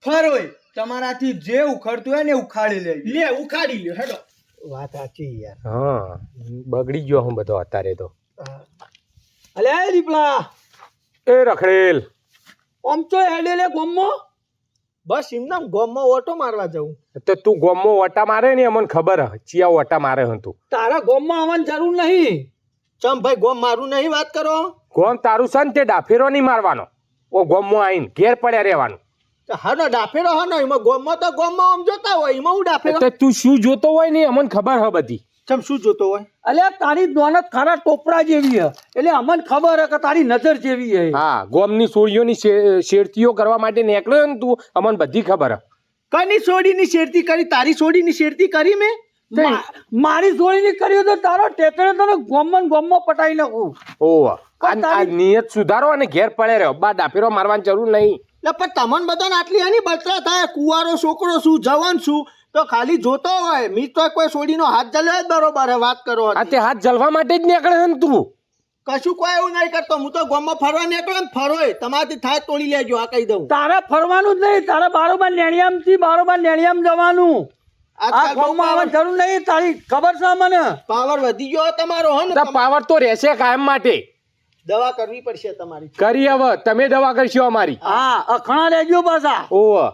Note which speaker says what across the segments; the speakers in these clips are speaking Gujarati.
Speaker 1: ફરોય તમારાથી જે ઉખડતું હોય ને ઉખાડી લે
Speaker 2: ઉખાડી લ્યો હેડો.
Speaker 3: વાત સાચી યાર.
Speaker 4: હા બગડી ગયો હું બધો અત્યારે તો.
Speaker 3: અલ્યા એ દીપલા
Speaker 4: એ રખડેલ
Speaker 3: આમ તો હેડે લે ગોમમાં. બસ એમના ગોમમાં ઓટો મારવા જવું.
Speaker 4: તો તું ગોમમાં ઓટા મારે ને અમને ખબર હ ચિયા ઓટા મારે હં તું.
Speaker 3: તારા ગોમમાં આવવાની જરૂર નહીં. ચમ ભાઈ ગોમ મારું નહીં વાત કરો.
Speaker 4: ગોમ તારું છે ને તે ડાફેરો નહીં મારવાનો. ઓ ગોમમાં આવીને ઘેર પડ્યા રહેવાનું.
Speaker 3: હાનો ડાફેરો હાનો એમાં ગોમમાં તો ગોમમાં આમ જોતા હોય એમાં હું ડાફેરો.
Speaker 4: તો તું શું જોતો હોય ને અમને ખબર હ બધી.
Speaker 3: ચમ શું જોતો હોય? અલ્યા તારી નોનત ખારા ટોપરા જેવી હે એટલે અમને ખબર હે કે તારી નજર જેવી હે.
Speaker 4: હા ગોમની સોળીઓની શેરતીઓ કરવા માટે નીકળ્યો ને તું અમને બધી ખબર હ.
Speaker 3: કની સોડીની શેરતી કરી? તારી સોડીની શેરતી કરી મેં? મારી સોડીની કરી તો તારો ટેકરે તને ગોમમાં પટાઈ નાખું.
Speaker 4: ઓહ આ નિયત સુધારો અને ઘેર પડે રહ્યો બા ડાફેરો મારવાની જરૂર નહીં.
Speaker 3: પણ તમને બધાને આટલી આની બળતરા થાય. કુવારો છોકરો શું જવાન શું તો ખાલી જોતો હોય. મી તો કોઈ સોડીનો હાથ જલ્યો જ બરોબર હે વાત કરો.
Speaker 4: આ તે હાથ જલવા માટે જ નીકળે ને તું.
Speaker 3: કશું કોઈ એવું નહીં કરતો. હું તો ગામમાં ફરવા નીકળો ને ફરોય તમારાથી થાય તોડી લેજો. આ કહી દઉં. તારે ફરવાનું જ નહીં. તારે બારોબાર નેણિયામ જવાનું. આ ગામમાં આવવાની જરૂર નહીં. તારી ખબર છે મને. પાવર વધી ગયો તમારો હે ને.
Speaker 4: પાવર તો રહેશે કાયમ માટે.
Speaker 3: દવા કરવી પડશે તમારી.
Speaker 4: કરી હવે તમે દવા કરશો અમારી.
Speaker 3: હા અખણા લેજો પાછા.
Speaker 4: ઓહ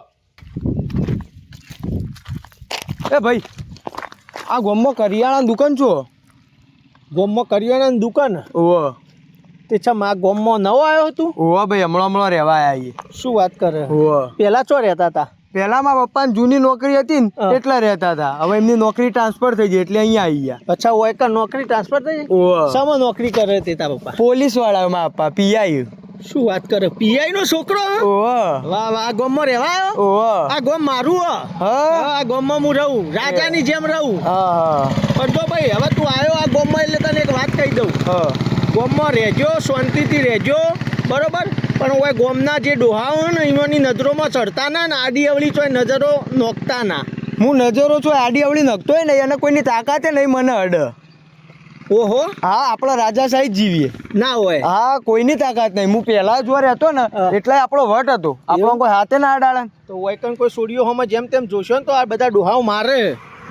Speaker 1: એ ભાઈ આ ગોમમાં કરિયાણાની દુકાન છો?
Speaker 3: ગામમાં કરિયાણાની દુકાન.
Speaker 1: ઓહ
Speaker 3: તે છમ આ ગામમાં નવો આવ્યો તું?
Speaker 1: ઓહ ભાઈ હમણાં રહેવા આવ્યા.
Speaker 3: શું વાત કરે?
Speaker 1: ઓહ
Speaker 3: પેલા ચો રહેતા હતા?
Speaker 1: પહેલા મારા પપ્પાની જૂની નોકરી હતી ને એટલા રહેતા હતા. હવે એમની નોકરી ટ્રાન્સફર થઈ ગઈ એટલે અહીંયા આવી ગયા.
Speaker 3: અચ્છા ઓય કા નોકરી ટ્રાન્સફર થઈ ગઈ?
Speaker 1: ઓહ
Speaker 3: શામાં નોકરી કરે તે તારા પપ્પા?
Speaker 1: પોલીસ વાળા મારા પપ્પા પીઆઈ.
Speaker 3: શું વાત કરે? પીઆઈ નો છોકરો?
Speaker 1: ઓહ
Speaker 3: વાહ વાહ. આ ગામમાં રહેવા આવ્યો?
Speaker 1: ઓહ
Speaker 3: આ ગામ મારું
Speaker 1: હા
Speaker 3: આ ગામમાં હું રહું રાજાની જેમ રહું.
Speaker 1: હા
Speaker 3: પણ તો ભાઈ હવે તું આવ્યો આ ગામમાં એટલે તને એક વાત કહી દઉં.
Speaker 1: હા
Speaker 3: ગામમાં રહેજો શાંતિથી રહેજો બરોબર. પણ ઓય ગામના જે ડોહા હોય ને એમની નજરોમાં ચડતા ના ને આડી અવળી ચોય નજરો નોખતા ના.
Speaker 1: હું નજરો છું આડી અવળી નખતોય નહીં અને કોઈની તાકાતે નહીં મને અડ.
Speaker 3: ઓહો
Speaker 1: હા આપણા રાજા સાહેબ જીવીએ
Speaker 3: ના હોય.
Speaker 1: હા કોઈની તાકાત નહીં. હું પહેલા જો રહેતો ને એટલે આપણો વટ હતો. આપણો કોઈ હાથે ના અડાડે.
Speaker 3: તો વૈકન કોઈ સોડિયો હોમાં જેમ તેમ જોશો ને તો આ બધા ડોહાઓ મારે.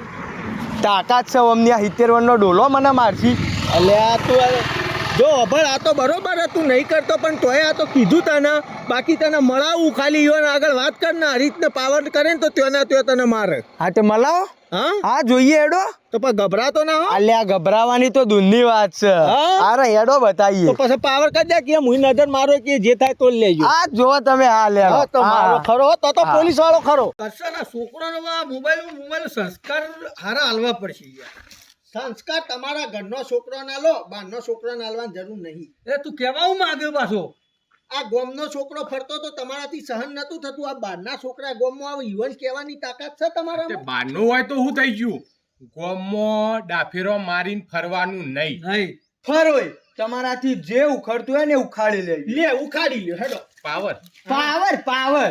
Speaker 1: તાકાત છે અમની. આ 70 વર્ષનો ડોલો મને મારશી.
Speaker 3: એટલે આ તું જો અભળ આ તો બરોબર હતું નહીં કરતો પણ તોય આ તો કીધું તને. બાકી તને મળાવું ખાલી યોને આગળ વાત કર ને આ રીતને પાવર કરે ને તો ત્યોના ત્યો તને મારે.
Speaker 1: હા તે મલાવો.
Speaker 3: હા
Speaker 1: હા જોઈએ હેડો.
Speaker 3: તો પણ ગભરાતો ના હો.
Speaker 1: અલ્યા ગભરાવાની તો દૂરની વાત છે. અરે હેડો બતાવીએ.
Speaker 3: તો પછી પાવર કરી દે કે હું નજર મારો કે જે થાય તો લેજો.
Speaker 1: આ જો તમે હા લે
Speaker 3: તો મારો ખરો તો પોલીસ વાળો ખરો. કશાના છોકરાનો મોબાઈલ સંસ્કાર હારા હાલવા પડશે યાર. સંસ્કાર તમારા ઘરનો છોકરો ના લો બહારનો છોકરો ના હાલવાની જરૂર નહીં.
Speaker 2: એ તું કેવા હું માંગ્યો પાછો?
Speaker 3: આ ગોમનો છોકરો ફરતો તો તમારાથી સહન નતું થતું. આ બહારના છોકરા ગોમમાં આવે યુવાન કહેવાની તાકાત છે તમારામાં?
Speaker 4: બારનું હોય તો શું થઈ ગયું? ગોમમાં ડાફેરો મારીને ફરવાનું નહીં.
Speaker 2: નહીં
Speaker 1: ફરોય તમારાથી જે ઉખડતું હોય ને ઉખાડી લે.
Speaker 3: ઉખાડી લ્યો હેડો.
Speaker 4: પાવર
Speaker 1: પાવર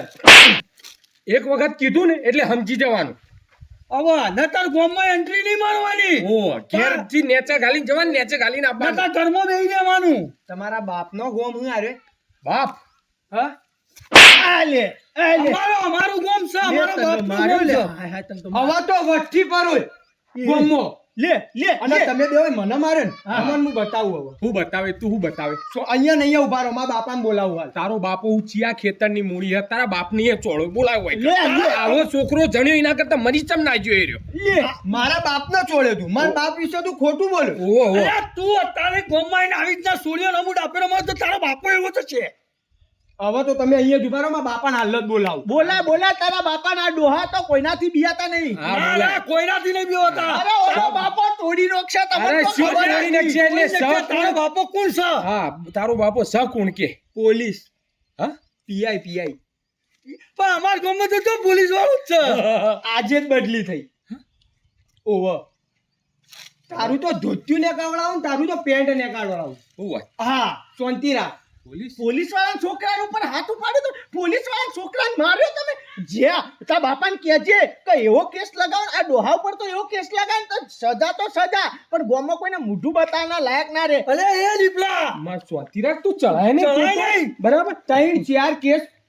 Speaker 4: એક વખત કીધું ને એટલે સમજી જવાનું.
Speaker 2: હવે નતર ગોમમાં એન્ટ્રી નહીં મારવાની.
Speaker 4: ઓ ઘેરથી નેચે ગાલીને જવાનું નેચે ગાલીને આપવાનું.
Speaker 2: નતર ઘરમાં બેસી જવાનું.
Speaker 1: તમારા બાપનો ગોમ હું આરે
Speaker 4: બાપ
Speaker 2: હા
Speaker 1: આ લે
Speaker 2: અમારું ગોમ છે. અમારો બાપનું ગોમ છે.
Speaker 1: હવા તો વઠ્ઠી પરોય ગોમો
Speaker 3: લે
Speaker 1: અને તમે બે મને મારે ને અમને હું બતાવું હવે.
Speaker 4: હું બતાવે તું હું બતાવે.
Speaker 1: સો અહીંયા નહીં ઉભા રહો. મારા બાપાને બોલાવું હાલ.
Speaker 4: તારો બાપો હું ચિયા ખેતરની મૂડી હે તારા બાપની એ ચોળો બોલાવ હોય. આવો છોકરો જણ્યો એના કરતા મરી ચમ ના જોઈ રહ્યો.
Speaker 1: મારા બાપને છોડ્યો તું. મારા બાપ વિશે તું ખોટું બોલે.
Speaker 4: ઓહો
Speaker 2: અરે તું અત્યારે ગોમમાં આવીને આવી રીતના સોડિયો નમૂ ડાપેરો માર તો તારો બાપો એવો તો છે.
Speaker 1: હવે તો તમે અહીંયા જ ઉભા રહો. મારા બાપાને હાલ જ બોલાવું.
Speaker 3: બોલા તારા બાપાના ડોહા તો કોઈનાથી બિયાતા નહીં.
Speaker 4: હા બોલા.
Speaker 2: કોઈનાથી નહીં બીવતા.
Speaker 3: અરે ઓલો બાપો તોડી નાખશે તમને
Speaker 4: અરે
Speaker 3: તો
Speaker 4: શું
Speaker 3: ખબર
Speaker 4: તોડી
Speaker 3: નથી.
Speaker 4: નાખશે એટલે
Speaker 2: તારો બાપો કોણ છે?
Speaker 4: હા તારો બાપો સ કોણ કે?
Speaker 1: પોલીસ
Speaker 4: હા
Speaker 1: પીઆઈ
Speaker 2: પણ અમાર ગામમાં તો પોલીસ વાળું જ છે.
Speaker 1: આજે જ બદલી થઈ. ઓહો તારું તો ધોતિયું ને કાવડાવું તારું તો પેન્ટ ને કાવડાવું.
Speaker 4: હું વાત
Speaker 1: હા શાંતિ રાખ.
Speaker 3: પોલીસ વાળા છોકરા ઉપર હાથ ઉપાડ્યો તો પોલીસ વાળા છોકરાને માર્યો તમે. જ્યાં તારા બાપાને કહેજે કે એવો કેસ લગાવો. આ ડોહા ઉપર તો એવો કેસ લગાવે તો સજા તો સજા પણ ગામમાં કોઈને મોઢું બતાવવાના લાયક ના રહે.
Speaker 2: અલે એ દીપલા
Speaker 4: માર સ્વાતી રાખ તું ચલાય ને
Speaker 2: ચલાય નહીં.
Speaker 1: બરાબર 3-4 કેસ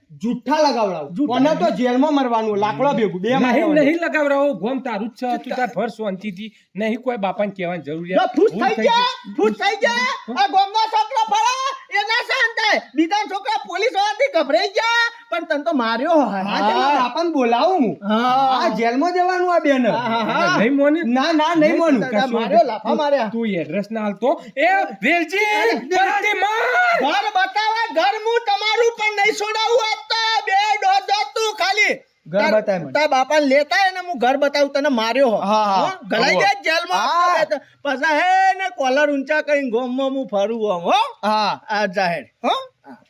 Speaker 1: જુઠ્ઠા લગાવડાવું કોને તો જેલમાં મરવાનું લાકડા ભેગું બે
Speaker 4: નહીં નહીં લગાવરાવો ગોમ તારું જ છે તું તાર ભર શાંતિથી નહીં કોઈ બાપાને કહેવાની જરૂરિયાત
Speaker 3: ફૂસ
Speaker 4: ભૂલ
Speaker 3: થઈ ગયા ફૂસ થઈ ગયા આ ગામનો છોકરો ફરો એ ના શાંત થાય બીજા છોકરા પોલીસ વાળાથી ગભરાઈ ગયા પણ તને તો માર્યો
Speaker 1: હા તે મારા બાપાને બોલાવું હું આ જેલમાં જવાનું આ બેન
Speaker 4: નહીં મોને
Speaker 1: ના નહીં મોનું
Speaker 3: તારા માર્યો લાફા માર્યા
Speaker 4: તું એડ્રેસ ના હાલતો એ વેલજી બરાતી માર
Speaker 3: ઘર બતાવે ઘર હું તમારું પણ નહીં છોડાવું આપતા બે દોઢ તું ખાલી
Speaker 1: ઘર બતાય મને.
Speaker 3: તાર બાપાને લેતા એને હું ઘર બતાવું તને માર્યો હો
Speaker 1: હા, હા.
Speaker 3: હો? ગલાઈ દે જેલમાં પછી હે ને કોલર ઊંચા કરીને ગોમમાં હું ફરું આમ હો
Speaker 1: હા
Speaker 3: આ જાહેર હો